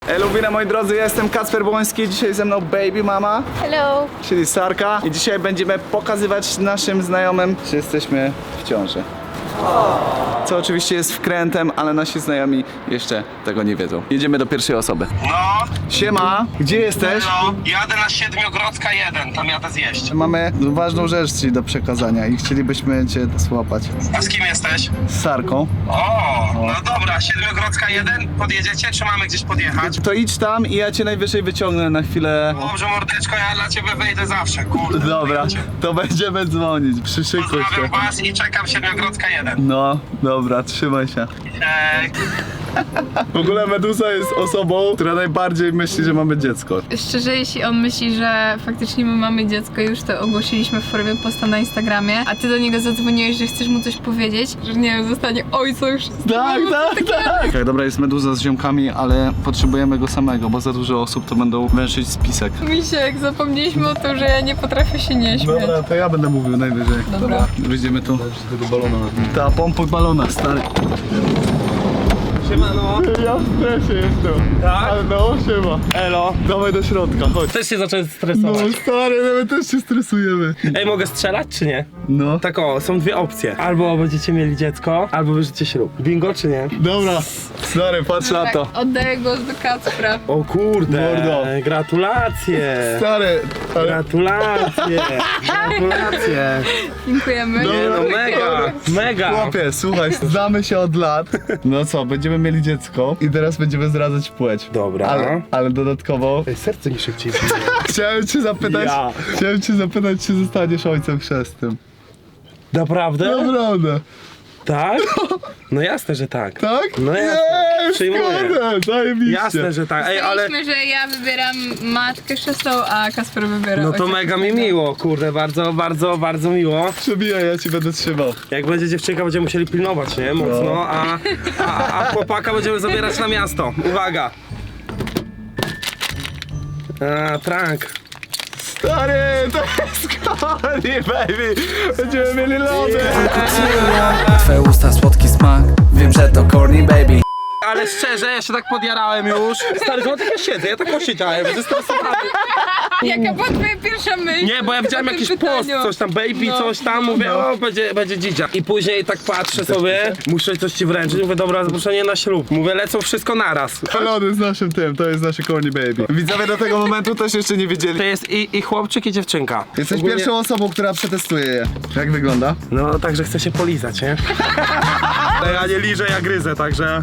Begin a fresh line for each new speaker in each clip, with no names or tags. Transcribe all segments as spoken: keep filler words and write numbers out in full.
Elubina, moi drodzy, ja jestem Kacper Błoński, dzisiaj ze mną baby mama.
Hello.
Czyli Sarka. I dzisiaj będziemy pokazywać naszym znajomym, czy jesteśmy w ciąży. Co oczywiście jest wkrętem, ale nasi znajomi jeszcze tego nie wiedzą. Jedziemy do pierwszej osoby.
No,
Siema, gdzie jesteś?
no, jadę na Siedmiogrodzka jeden, tam jadę zjeść.
Mamy ważną rzecz ci do przekazania i chcielibyśmy cię złapać.
A z kim jesteś?
Z Sarką.
O, no dobra, Siedmiogrodzka jeden, podjedziecie, czy mamy gdzieś podjechać?
To idź tam i ja cię najwyżej wyciągnę na chwilę.
Dobrze, mordeczko, ja dla ciebie wyjdę zawsze, kurde.
Dobra,
wyjdzie.
to będziemy dzwonić. Przyszykuj się.
Pozdrawiam was i czekam Siedmiogrodzka jeden.
No, dobra, trzymaj się.
Ej,
W ogóle Medusa jest osobą, która najbardziej myśli, że mamy dziecko.
Szczerze, jeśli on myśli, że faktycznie my mamy dziecko, już to ogłosiliśmy w formie posta na Instagramie, a ty do niego zadzwoniłeś, że chcesz mu coś powiedzieć, że nie wiem, zostanie ojcem już.
Tak, tak, tak. Tak, dobra, jest Meduza z ziomkami, ale potrzebujemy go samego, bo za dużo osób to będą węszyć spisek.
Misiek, zapomnieliśmy o tym, że ja nie potrafię się nie śmiać.
Dobra, to ja będę mówił najwyżej.
Dobra.
Wyjdziemy tu. Tego balona. Ta pompa balona, stary.
siemano.
Ja w stresie jestem.
Tak?
Ale no, siema.
Elo.
Dawaj do środka, chodź.
Też się zacząłem
No
stresować.
stary, no my też się stresujemy.
Ej, mogę strzelać, czy nie?
No.
Tak o, są dwie opcje. Albo będziecie mieli dziecko, albo bierzecie ślub. Bingo, czy nie?
Dobra, stary, patrz na to.
Tak, oddaję głos do Kacpra.
O kurde,
Mordo.
gratulacje.
Stary, ale...
Gratulacje. Gratulacje.
Dziękujemy.
No.
Nie no, mega, mega.
Chłopie, słuchaj, znamy się od lat. No co, będziemy mieli dziecko i teraz będziemy zdradzać płeć.
Dobra.
Ale, ale dodatkowo
Ej, serce mi szybciej.
chciałem cię zapytać,
Ja.
chciałem cię zapytać, czy zostaniesz ojcem chrzestnym.
Naprawdę?
Naprawdę.
Tak? No jasne, że tak.
Tak?
No jasne.
Jej,
Przyjmuję.
zgodę, zajebiście.
Jasne, że tak. Ej, ale...
Myśleliśmy, że ja wybieram matkę chrzestną, a Kacper wybiera
No to
ojca
mega mi
chrzestnego.
miło, kurde, bardzo, bardzo, bardzo miło.
Przebijaj, ja ci będę trzymał.
Jak będzie dziewczynka, będziemy musieli pilnować, nie? Mocno, a, a, a chłopaka będziemy zabierać na miasto. Uwaga! A, prank.
Stary, to jest Corny, baby. Będziemy mieli lody.
Twoje usta słodki smak, wiem, że to corny baby.
Ale szczerze, ja się tak podjarałem już. Stary, to tak ja siedzę, ja tak osiedziałem, zestresowany.
Jaka była twoja pierwsza myśl?
Nie, bo ja widziałem
po tym
jakiś post,
pytaniu?
coś tam baby,
No,
coś tam,
no.
mówię, o, będzie, będzie dzidzia. I później tak patrzę sobie, muszę coś ci wręczyć, mówię, dobra, zaproszenie na ślub. Mówię, lecą wszystko naraz.
Lody z naszym tym, to jest nasze Corny baby. Widzowie do tego momentu też jeszcze nie wiedzieli.
To jest i, i chłopczyk, i dziewczynka.
Jesteś
Ogólnie-
pierwszą osobą, która przetestuje je. Jak wygląda?
No, także chcę się polizać, nie? Ja nie liżę, ja gryzę, także...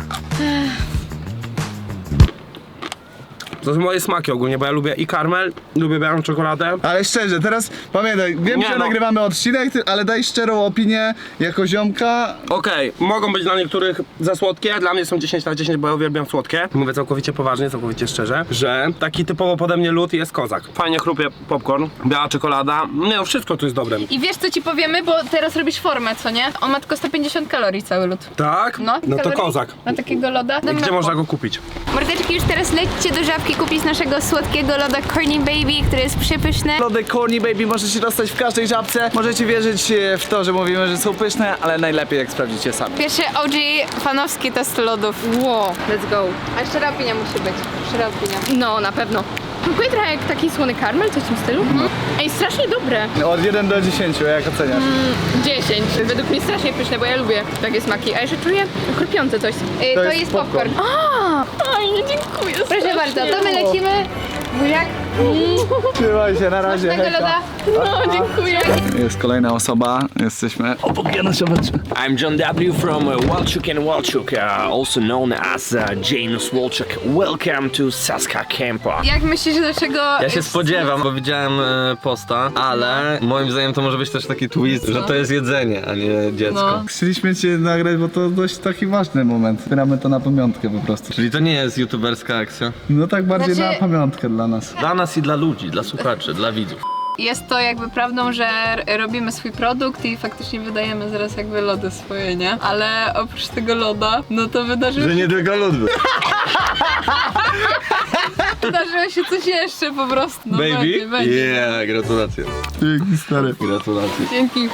To są moje smaki ogólnie, bo ja lubię i karmel, lubię białą czekoladę.
Ale szczerze, teraz pamiętaj, wiem,
Nie
że
no.
nagrywamy odcinek, ty- ale daj szczerą opinię jako ziomka.
Okej, mogą być dla niektórych za słodkie, dla mnie są dziesięć na dziesięć, bo ja uwielbiam słodkie. Mówię całkowicie poważnie, całkowicie szczerze, że taki typowo pode mnie lód jest kozak. Fajnie chrupie popcorn, biała czekolada, nie no, wszystko tu jest dobre.
I wiesz co ci powiemy, bo teraz robisz formę, co nie? On ma tylko sto pięćdziesiąt kalorii cały lód.
Tak?
No,
No to
kalorii
kozak.
Na takiego loda.
Gdzie można go kupić?
Mordeczki, już teraz lećcie do Żabki kupić naszego słodkiego loda Corny Baby, który jest przepyszny.
Lody Corny baby możecie dostać w każdej żabce. Możecie wierzyć e, w to, że mówimy, że są pyszne, ale najlepiej jak sprawdzicie sami.
Pierwszy O G fanowski test lodów.
Wow, let's go. A szczera opinia musi być. Szczera opinia.
No, na pewno. Smakuje trochę jak taki słony karmel, coś w tym stylu. Ej, strasznie dobre.
Od jeden do dziesięciu, jak oceniasz?
dziesięć. Według mnie strasznie pyszne, bo ja lubię takie smaki. A jeszcze czuję chrupiące coś. Ej,
To
to,
jest
jest
popcorn.
popcorn. A,
Fajnie, dziękuję.
proszę bardzo, to my lecimy. Buziak.
Trzymaj się, na razie.
Tego
hejka.
loda.
No, dziękuję.
Jest kolejna osoba, jesteśmy obok Janoszowiecza.
I'm John W. from uh, Walchuk and Walchuk, uh, also known as uh, Janus Walchuk. Welcome to Saska Campa.
Jak myślisz, dlaczego...
Ja się spodziewam, bo widziałem e, posta, ale moim zdaniem to może być też taki twist, że to jest jedzenie, a nie dziecko.
No.
Chcieliśmy cię nagrać, bo to dość taki ważny moment. Zbieramy to na pamiątkę po prostu.
Czyli to nie jest youtuberska akcja.
No tak bardziej
Znaczy-
na pamiątkę dla nas.
Dla nas i dla ludzi, dla słuchaczy, dla widzów.
Jest to jakby prawdą, że robimy swój produkt i faktycznie wydajemy zaraz jakby lody swoje, nie? Ale oprócz tego loda, no to wydarzyło się,
nie tylko lud.
wydarzyło się coś jeszcze po prostu. No
Baby?
Będzie, będzie.
Yeah, gratulacje.
Dzięki stary.
Gratulacje.
Dzięki.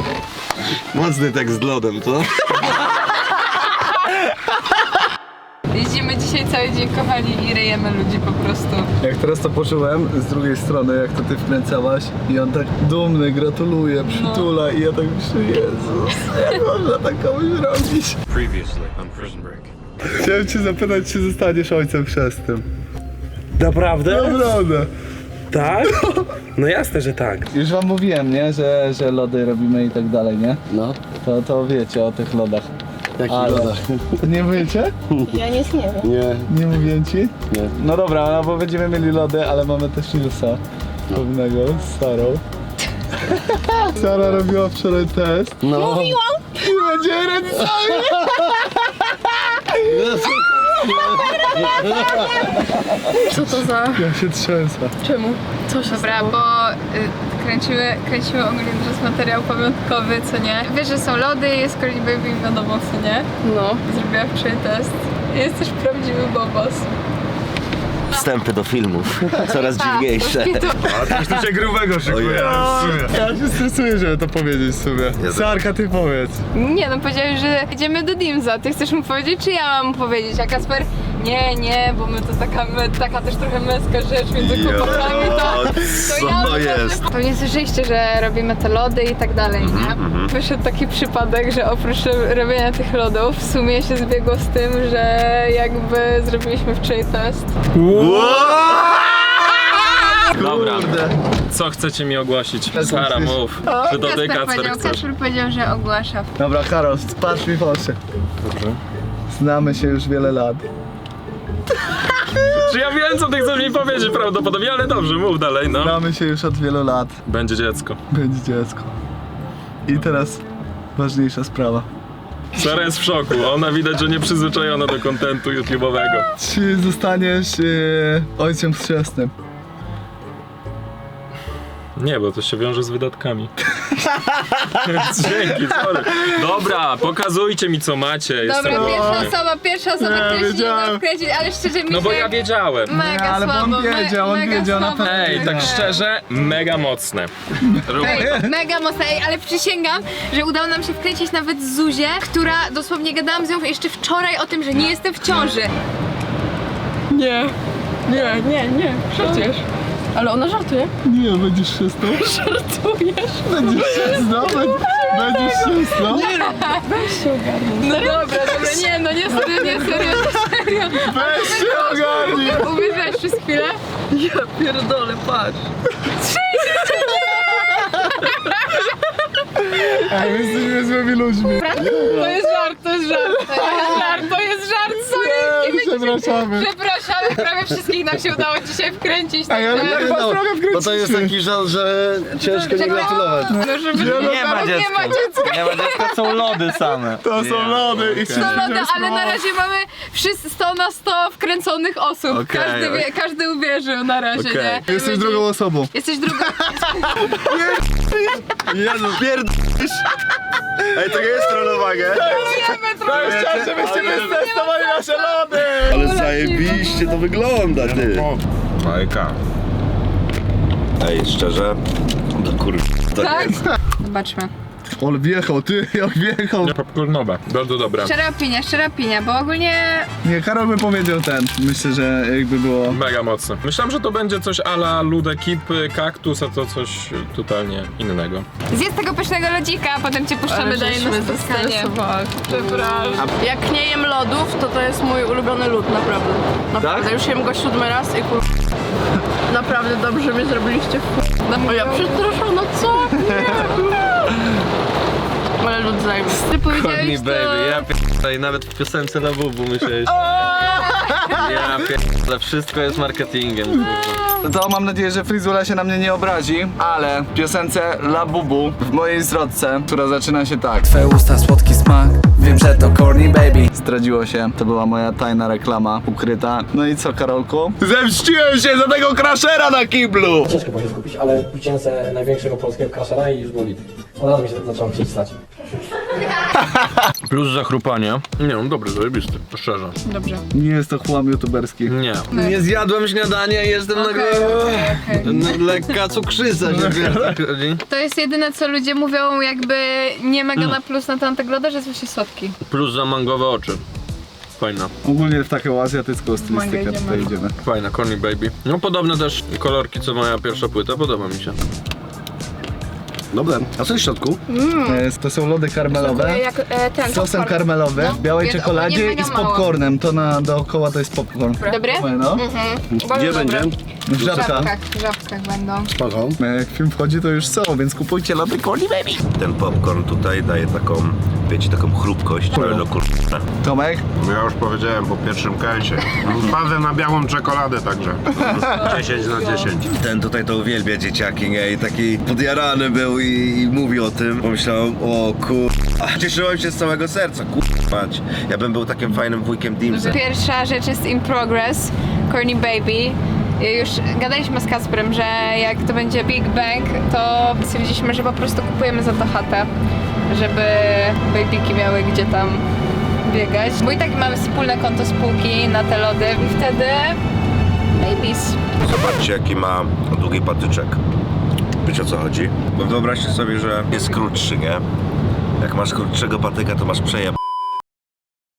Mocny tekst z lodem, co?
Jeździmy dzisiaj cały dzień, kochani, i ryjemy ludzi po prostu.
Jak teraz to poczułem z drugiej strony, jak to ty wkręcałaś i on tak dumny, gratuluje, przytula i ja tak myślę, Jezus, jak można tak komuś robić?
Previously on Prison Break.
Chciałem cię zapytać, czy zostaniesz ojcem chrzestnym.
Naprawdę?
Naprawdę.
Tak? No jasne, że tak.
Już wam mówiłem, nie, że, że lody robimy i tak dalej, nie?
No.
To, to wiecie o tych lodach.
Jakich
Ale-
lodach?
Nie wiecie?
Ja nic nie wiem.
Nie.
Nie mówię ci?
Nie.
No dobra, no bo będziemy mieli lody, ale mamy też Nilsa pewnego z Sarą. Sara robiła wczoraj test.
No.
Mówiłam!
I będzie rodzicami!
Co to za...
Ja się trzęsę.
Czemu? Co się Dobra, bo y, kręciły, kręciły ogólnie teraz materiał pamiątkowy, co nie? Wiesz, że są lody, jest Corny Baby, wiadomo, co nie? No. Zrobiła wczoraj test. Jest też prawdziwy bobos.
Wstępy do filmów. Coraz dziwniejsze.
A coś tu się grubego szykuje.
Ja się stresuję, żeby to powiedzieć w sumie. Sarka, ty powiedz.
Nie, no powiedziałeś, że idziemy do Dimza. Ty chcesz mu powiedzieć, czy ja mam mu powiedzieć? A Kasper, nie, nie, bo my to taka, my, taka też trochę męska rzecz między chłopakami, to, to ja
co jest?
Pewnie słyszeliście, że robimy te lody i tak dalej, nie? Wyszedł taki przypadek, że oprócz robienia tych lodów w sumie się zbiegło z tym, że jakby zrobiliśmy wczoraj test.
Dobra, co chcecie mi ogłosić? Sara, mów. Czy to ty,
Kasper
Kacper,
powiedział,
chcesz?
Kasper powiedział, że ogłasza.
Dobra, Karol, patrz mi w oczy.
Dobrze.
Znamy się już wiele lat.
Czy ja wiem, co ty chcesz mi powiedzieć prawdopodobnie, ale dobrze, mów dalej, no.
Znamy się już od wielu lat.
Będzie dziecko.
Będzie dziecko. I teraz ważniejsza sprawa.
Sara jest w szoku, ona widać, że nie przyzwyczajona do kontentu YouTube'owego.
Czy zostaniesz yy, ojcem chrzestnym?
Nie, bo to się wiąże z wydatkami. Dzięki, sorry. Dobra, pokazujcie mi, co macie. Jestem
Dobra, pierwsza
głodny.
osoba, pierwsza osoba,
Ja
która się nie
wiedziałem.
da wkręcić, ale szczerze mi
No bo
się
ja wiedziałem.
mega
Nie, ale bo on
słabo, me-
wiedział, on
mega
wiedział, na
słabo.
pewno
Ej, tak
Nie.
szczerze, mega mocne.
Ej, mega mocno, ej, ale przysięgam, że udało nam się wkręcić nawet Zuzię, która dosłownie gadałam z nią jeszcze wczoraj o tym, że nie jestem w ciąży.
Nie, nie, nie, nie, przecież. Ale ona żartuje.
Nie, będziesz chrzestną?
Żartujesz.
Będziesz chrzestną? Będziesz chrzestną?
Weź się ogarnij.
No dobra, dobra, nie, no nie serio, nie serio, nie serio.
Weź się ogarnij!
Uwierzyłeś przez chwilę?
Ja pierdolę, patrz.
A my jesteśmy złymi ludźmi.
To jest żart, to jest żart, to jest żart, to jest żart, sorry.
Nie, przepraszamy.
Przepraszamy, prawie wszystkich nam się udało dzisiaj wkręcić.
A ja
także-
tak was trochę
Bo to jest taki żal, że ciężko nie gratulować.
No, żeby
Nie ma
nie
dziecka.
ma dziecka.
Nie ma dziecka, są lody same.
To są lody i
sto loda, ale na razie mamy wszyscy sto na sto wkręconych osób.
Okej,
każdy, wie, każdy uwierzył na razie,
Okej.
nie?
Jesteś drugą osobą.
Jesteś drugą.
Jezu, pierdolisz. Ej, to nie jest trollowanie.
To jest czas, żebyście testowali nasze lody!
Ale zajebiście to wygląda, ty.
Bajka.
Ej, szczerze? No kurwa, to
Tak?
jest.
Zobaczmy.
On wjechał, ty, jak wjechał.
Popcornowe, bardzo dobre.
Szczera opinia, szczera opinia, bo ogólnie
Nie, Karol by powiedział ten. Myślę, że jakby było...
Mega mocne. Myślałem, że to będzie coś a la Ludekip, kaktus, a to coś totalnie innego.
zjedz tego pysznego lodzika, a potem cię puszczamy dalej na spotkanie.
Przepraszam. Jak nie jem lodów, to to jest mój ulubiony lód, naprawdę. Naprawdę, już jem go siódmy raz i kur... Naprawdę dobrze mnie zrobiliście w... O ja przepraszam, no co? Nie. Ale lód zajmie.
Ty
Corny
powiedziałeś
baby, ja
to...
pierdolę i nawet w piosence na bubu myślałeś. Ja pierdolę, wszystko jest marketingiem, kurwa.
To mam nadzieję, że Frizula się na mnie nie obrazi, ale w piosence La Bubu w mojej zwrotce, która zaczyna się tak.
Twe usta słodki smak, wiem, że to Corny Baby.
Zdradziło się, to była moja tajna reklama ukryta. No i co, Karolku? Zemściłem się za tego crashera na kiblu!
Ciężko było się skupić, ale kupiłem sobie największego polskiego crashera i już było lit. Od razu mi się zaczęło chcieć stać.
Plus zachrupanie. Nie no, dobry, zajebisty, to szczerze.
Dobrze.
Nie jest to chłam youtuberski.
Nie. Nie zjadłem śniadania i jestem
Okej,
na
okej, okej.
na lekka cukrzyca się chodzi.
To jest jedyne, co ludzie mówią, jakby nie mega na plus na tamtego loda, że jest właśnie słodki.
Plus za mangowe oczy. Fajna.
Ogólnie w taką azjatycką stylistykę tutaj idziemy.
Fajna, Corny Baby. No podobne też kolorki co moja pierwsza płyta, podoba mi się.
Dobre. A co jest w środku?
E, To są lody karmelowe.
Jak e, ten
Z sosem
popcorn.
karmelowym,
No.
w białej
Jest
czekoladzie
ogólnie
i
mega
z
mało.
popcornem. To na dookoła to jest popcorn.
Dobry?
No.
Gdzie będzie?
W
W
żabkach.
żabkach, w żabkach będą.
Spoko.
Jak film wchodzi, to już są, więc kupujcie lody Corny Baby.
Ten popcorn tutaj daje taką, wiecie, taką chrupkość, ale do kurwa.
Tomek?
Ja już powiedziałem po pierwszym kęsie. Wpadę na białą czekoladę także.
dziesięć na dziesięć. Ten tutaj to uwielbia dzieciaki, nie? I taki podjarany był i, i mówi o tym. Pomyślałem, o kurwa. Cieszyłem się z całego serca, kurwa. Ja bym był takim fajnym wujkiem Dimsem.
Pierwsza rzecz jest in progress, Corny Baby. Już gadaliśmy z Kasprem, że jak to będzie Big Bang, to stwierdziliśmy, że po prostu kupujemy za to chatę, żeby babyki miały gdzie tam biegać. Bo i tak mamy wspólne konto spółki na te lody i wtedy babies.
Zobaczcie, jaki ma długi patyczek. Wiecie, o co chodzi? Bo wyobraźcie sobie, że jest krótszy, nie? Jak masz krótszego patyka, to masz przejeb